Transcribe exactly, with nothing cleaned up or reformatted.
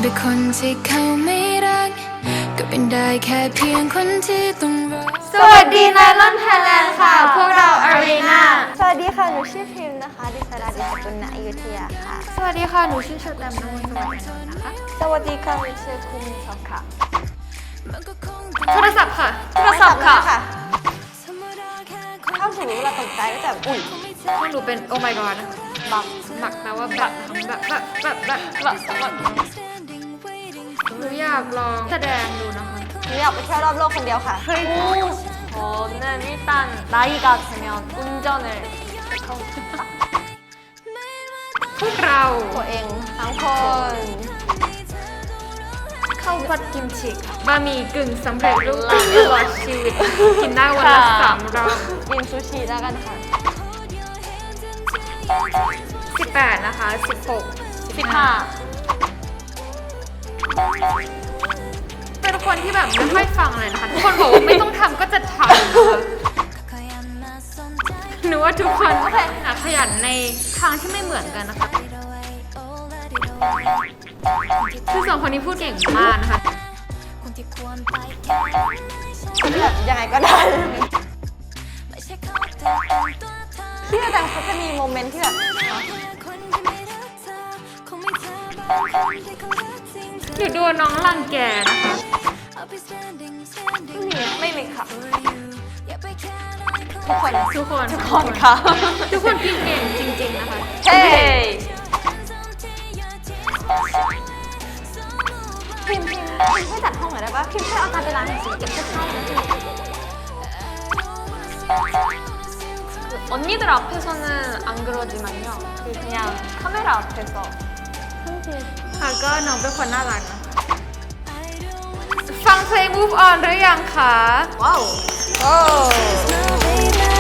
เป็นคนที่เขาไม่รักก็เป็นได้แค่เพียงคนที่ต้องรอสวัสดีไนลอนไทยแลนด์ค่ะพวกเราอารีนาสวัสดีค่ะหนูชื่อพิมพ์นะคะดิสราดิสกุลณอยุธยาค่ะสวัสดีค่ะหนูชื่อเชอร์แตมนวลสวัสดิ์นะคะสวัสดีค่ะหนูชื่อคุมิทอกค่ะโทรศัพท์ค่ะโทรศัพท์ค่ะเข้าถึงเราตกใจก็แต่อุ้ยพวกหนูเป็นโอ้ my god นะคะบักบักแปลว่าบักบักบักบักบักบักบักหนูอยากลองแสดงดูนะคะหนูอยากไปเที่ยวรอบโลกคนเดียวค่ะ 저는일단나이가되면운전을พวกเราตัวเองทั้งคนข้าวผัดกิมจิบะหมี่กึ่งสำเร็จรูปตลอดชีวิตกินได้วันละสามรอบกินซูชิแล้วกันค่ะสิบแปดนะคะสิบหกสิบห้าเป็นคนที่แบบไม่ค่อยฟังเลยนะคะทุกคนบอกว่าไม่ต้องทำก็จะทำนะคะหนูว่าทุกคนขยันในทางที่ไม่เหมือนกันนะคะคือสองคนนี้พูดเก่งมากนะคะแบบยังไงก็ได้ที่อาจารย์เขาจะมีโมเมนต์ที่แบบหนูโดนน้องรังแกนะคะไม่มีค่ะทุกคนทุกคนทุกคนค่ะทุกคนกินเก่งจริงๆนะคะเฮ้พิมพ์พิมพ์พิมพ์ช่วยจัดห้องหน่อยได้ปะพิมพ์ช่วยเอาตาไปล้างหน่อยสิเก็บเสื้อผ้าแล้วจริง 언니들앞에서는안그러지만요그냥카메라앞에서ค่ะก็น้องเป็นคนน่ารักนะคะฟังเพลง Move On หรือยังคะว้าวโอ้